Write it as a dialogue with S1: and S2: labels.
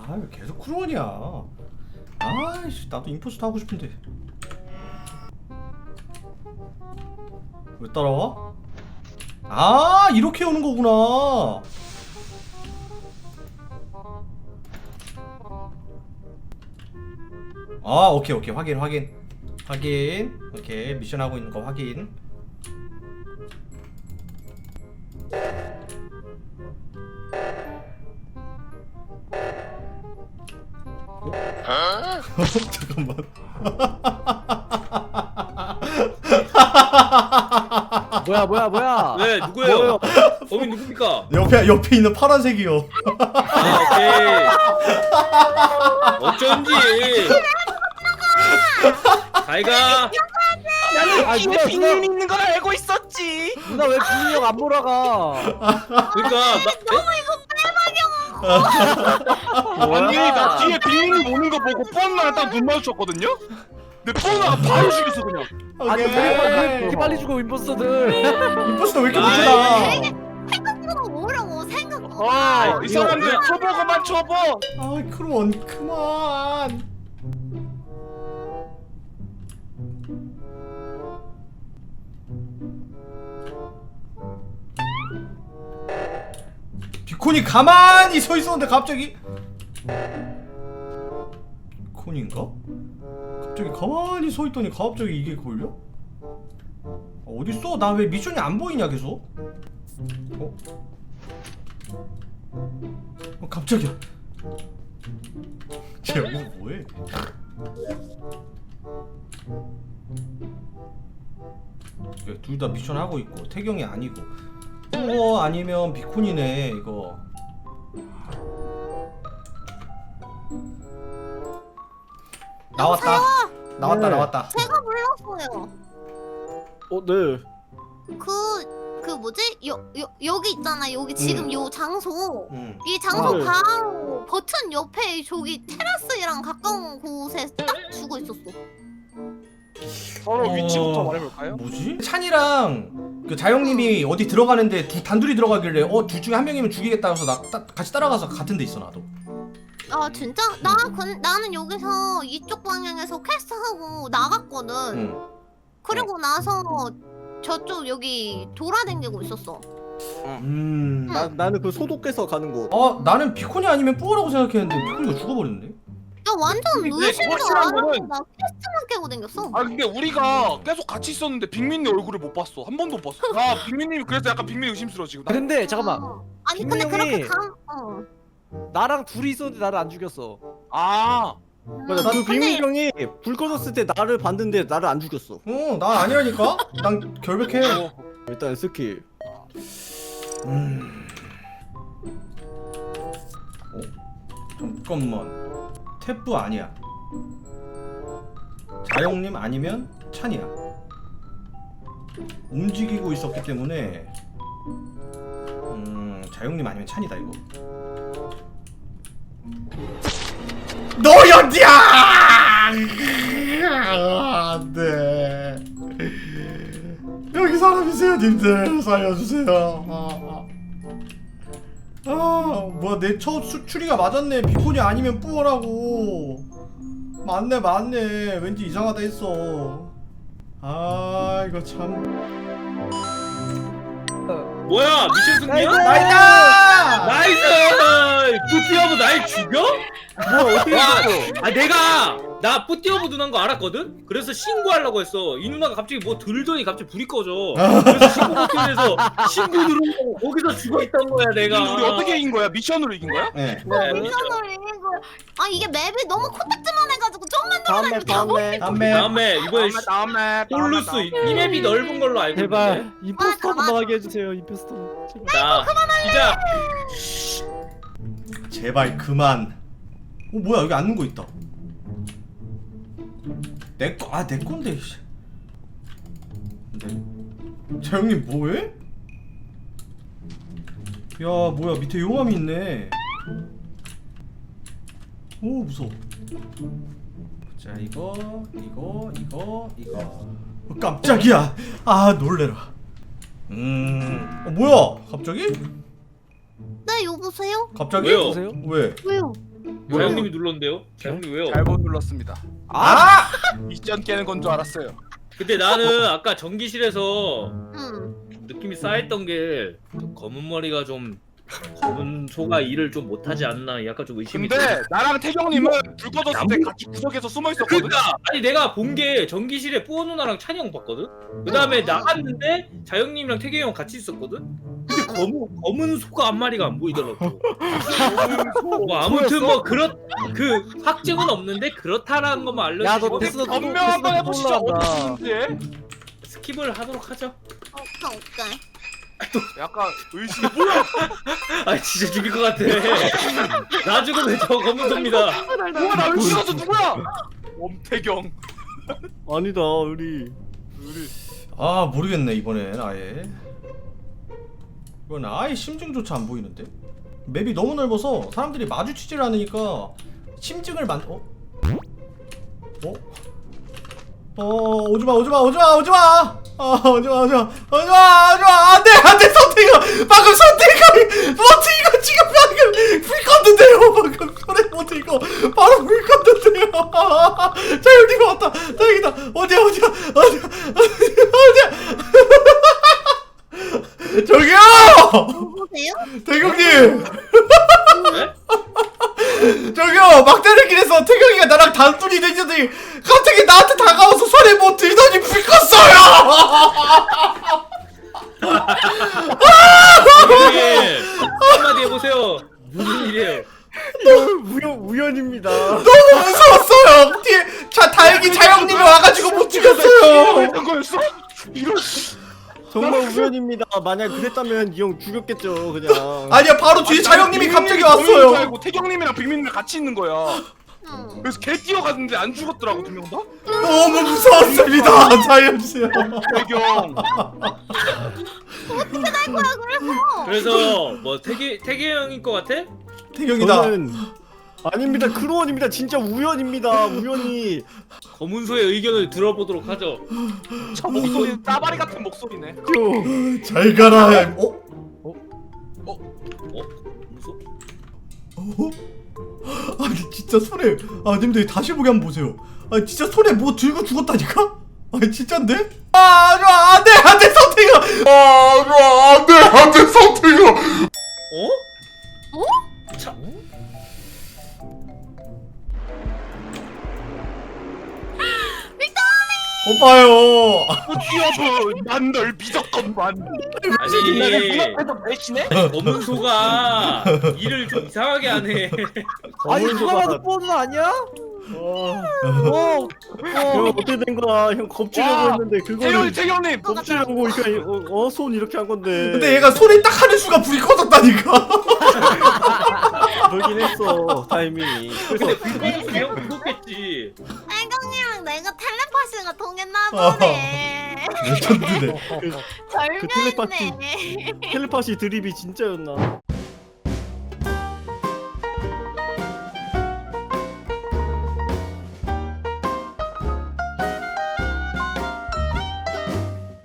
S1: 아 왜 계속 크루원이야. 아이씨 나도 임포스터 하고 싶은데. 왜 따라와? 아 이렇게 오는 거구나. 아 오케이 오케이 확인 오케이 미션 하고 있는 거 확인. 잠깐만.
S2: 뭐야?
S3: 네, 누구예요? 범인 누굽니까?
S1: 옆에 있는 파란색이요.
S3: 아, 오케이. 어쩐지. 잘가.
S2: 아,
S4: 팀에 빅민이 있는 걸 알고 있었지.
S2: 누나 왜 빅민이 형 안 몰아가?
S3: 그러니까
S4: 아니 나 뒤에 빅민이 오는 거 보고 뻔나랑 딱 눈 마주쳤거든요. 근데 뻔나가 바로 죽였어 그냥.
S2: 아니 왜 이렇게 빨리 죽어 임포스터들?
S1: 임포스터 왜 이렇게
S3: 아이.
S1: 못하나?
S5: 생각보다 뭐라고 생각보다.
S4: 이 사람들 초보고만 초보.
S1: 아 크루원 그만. 비콘이 가만히 서 있었는데 갑자기 비콘인가? 갑자기 가만히 서 있더니 갑자기 이게 걸려? 어딨어? 나 왜 미션이 안 보이냐 계속? 갑자기야. 쟤 뭐해? 둘 다 미션 하고 있고 태경이 아니고 아니면 비콘이네 이거. 나왔다.
S5: 네.
S1: 나왔다.
S5: 제가 불렀어요.
S2: 네.
S5: 그 뭐지? 여기 있잖아. 여기 지금 요 장소.
S1: 응.
S5: 이 장소
S2: 네.
S5: 바로 버튼 옆에 저기 테라스랑 가까운 곳에 딱 죽어 있었어.
S4: 서로 위치부터 말해볼까요?
S1: 뭐지? 찬이랑 그 자영님이 어디 들어가는데 단둘이 들어가길래 둘 중에 한 명이면 죽이겠다 해서 같이 따라가서 같은 데 있어 나도.
S5: 아 진짜? 나는 여기서 이쪽 방향에서 퀘스트 하고 나갔거든.
S1: 응.
S5: 그리고 나서 저쪽 여기 돌아다니고 있었어.
S2: 나는 그 소독해서 가는 거.
S1: 나는 비콘이 아니면 뿌어라고 생각했는데 비콘이가 죽어버렸네.
S5: 나 완전
S4: 근데
S5: 의심도
S4: 확실한
S5: 안 하고
S4: 거는-
S5: 나 퀘스트만 깨고 댕겼어.
S4: 아 근데 우리가 계속 같이 있었는데 빅민이 얼굴을 못 봤어. 한 번도 못 봤어. 아 빅민님이 그래서 약간 빅민이 의심스러워 지금.
S2: 아, 근데 잠깐만.
S5: 아니 근데
S2: 분명히-
S5: 그렇게
S2: 나랑 둘이 있었는데 나를 안 죽였어.
S4: 아
S2: 맞아. 그
S5: 근데-
S2: 빅민이 형이 불 꺼졌을 때 나를 봤는데 나를 안 죽였어.
S1: 나 아니라니까. 난 결백해.
S2: 일단 스킬.
S1: 잠깐만. 태프 아니야. 자영님 아니면 찬이야. 움직이고 있었기 때문에 자영님 아니면 찬이다 이거. 너였냐? 안돼. 여기 사람이세요, 님들 살려주세요. 뭐야 내 첫 추리가 맞았네. 비콘이 아니면 뿌어라고. 맞네. 왠지 이상하다 했어. 이거 참.
S3: 뭐야? 미션 승리야?
S1: 나이다.
S3: 나이스! 뿌띠어브 날 죽여?
S2: 뭐 어떻게
S3: 와,
S2: 죽였어?
S3: 나 뿌띠어브 누나인 거 알았거든? 그래서 신고하려고 했어. 이 누나가 갑자기 뭐 들더니 갑자기 불이 꺼져. 그래서 신고 버튼에서 신고 누르고 거기서 죽어있던 거야 내가.
S4: 우리 어떻게 이긴 거야? 미션으로 이긴 거야?
S1: 네.
S5: 미션을 이긴 거야. 이게 맵이 너무 코딱지만 해가지고 좀만
S2: 다음에
S1: 다음에.
S3: 다음에 이번에
S4: 다음에
S3: 홀루스 이 맵이 넓은 걸로 알고
S2: 제발
S3: 있는데.
S2: 임포스터
S5: 맞아.
S2: 나가게 해주세요. 임포스터.
S3: 자, 시작.
S1: 제발 그만. 뭐야 여기 앉는 거 있다. 내 건데. 자영님 뭐해? 야 뭐야 밑에 용암이 있네. 오 무서워. 자 이거 깜짝이야. 놀래라. 뭐야 갑자기?
S5: 네 여보세요?
S1: 갑자기?
S3: 왜요?
S2: 보세요.
S1: 왜?
S5: 왜요?
S3: 자영님이 눌렀는데요? 자영님 왜요?
S4: 잘못 눌렀습니다.
S1: 아!
S4: 미션 깨는 건 줄 알았어요.
S3: 근데 나는 아까 전기실에서
S5: 응.
S3: 느낌이 쌓였던 게 검은 머리가 좀 검은 소가 일을 좀 못하지 않나 약간 좀 의심이
S4: 근데 나랑 태경님은 불 꺼졌을 때 같이 구석에서 숨어 있었거든.
S3: 그러니까 아니 내가 본 게 전기실에 뿌어 누나랑 찬이 형 봤거든? 그 다음에 나갔는데 자영님이랑 태경이 형 같이 있었거든? 근데 검은 소가 한 마리가 안 보이더라고. 뭐 아무튼 뭐 그 확증은 없는데 그렇다라는 것만
S2: 야,
S3: 알려주시고
S2: 너 됐어.
S4: 변명 한번 해보시죠. 어떻게
S3: 스킵을 하도록 하죠.
S5: 오케이.
S4: 약간 의심이 뭐야?
S3: 아 진짜 죽일 것 같아. 나 죽으면 저 검은 소입니다.
S4: 뭐야 나 의심하서 누구야? 엄태경.
S2: 아니다 우리.
S1: 아 모르겠네 이번엔 아예. 이건 아예 심증조차 안 보이는데? 맵이 너무 넓어서 사람들이 마주치질 않으니까 심증을 어? 오지마 안돼 선택이가 방금 선택이 버티고 지금 방금 불 껐는데요 방금 소리 버티고 바로 불 껐는데요 자영님 왔다 다행이다 어디야 저기요
S5: 보세요?
S1: 태경님
S3: 네?
S1: 저기요 막다른 길에서 태경이가 나랑 단둘이 되더니 갑자기 나한테 다가와서 손에 뭐 들더니 불 껐어요.
S3: 이게 한마디 해보세요. 무슨 일이에요?
S2: 우연입니다.
S1: 너무 무서웠어요. 뒤에 다행히 자영님이 와가지고 못 죽였어요.
S4: 했던 거였어? 이런.
S2: 정말 우연입니다. 만약 그랬다면 이 형 죽였겠죠 그냥.
S1: 아니야 바로 뒤에 자영님이 갑자기
S4: 범인인 줄
S1: 왔어요.
S4: 알고 태경님이랑 빅민이랑 같이 있는 거야.
S5: 응.
S4: 그래서 개 뛰어갔는데 안 죽었더라고 두 명 다.
S1: 너무 무서웠습니다 자영씨.
S4: 태경.
S3: 그래서 뭐 태기 형인 것 같아?
S1: 태경이다.
S2: 저는 아닙니다. 크루원입니다. 진짜 우연입니다. 우연히.
S3: 검은 소의 의견을 들어보도록 하죠.
S4: 저 목소리 따바리 같은 목소리네.
S1: 잘 가라.
S3: 무서?
S1: 아니 진짜 손에 님들 다시 보기 한번 보세요. 아 진짜 손에 뭐 들고 죽었다니까? 아니 진짠데? 안돼 선택이가. 안돼 선택이가.
S3: 어? 차.
S1: 오빠요.
S4: 여보, 난 널 믿었건만.
S3: 아니
S4: 눈앞에서 배신해?
S3: 검은 소가 일을 좀 이상하게 하네.
S2: 아니 누가 봐도 뻔은 아니야? 형 어떻게 된 거야? 형 겁주려고 했는데 그거를
S4: 태경님.
S2: 겁주려고 이렇게 손 이렇게 한 건데.
S1: 근데 얘가 손에 딱 하는 순간 불이 꺼졌다니까.
S2: 그러긴 했어 타이밍이.
S3: 근데 불꺼는 그냥 불었겠지.
S5: 태경이랑 내가 텔레파시가 통했나 보네.
S1: 레전드네.
S2: 그 텔레파시
S5: 절묘했네.
S2: 텔레파시 드립이 진짜였나?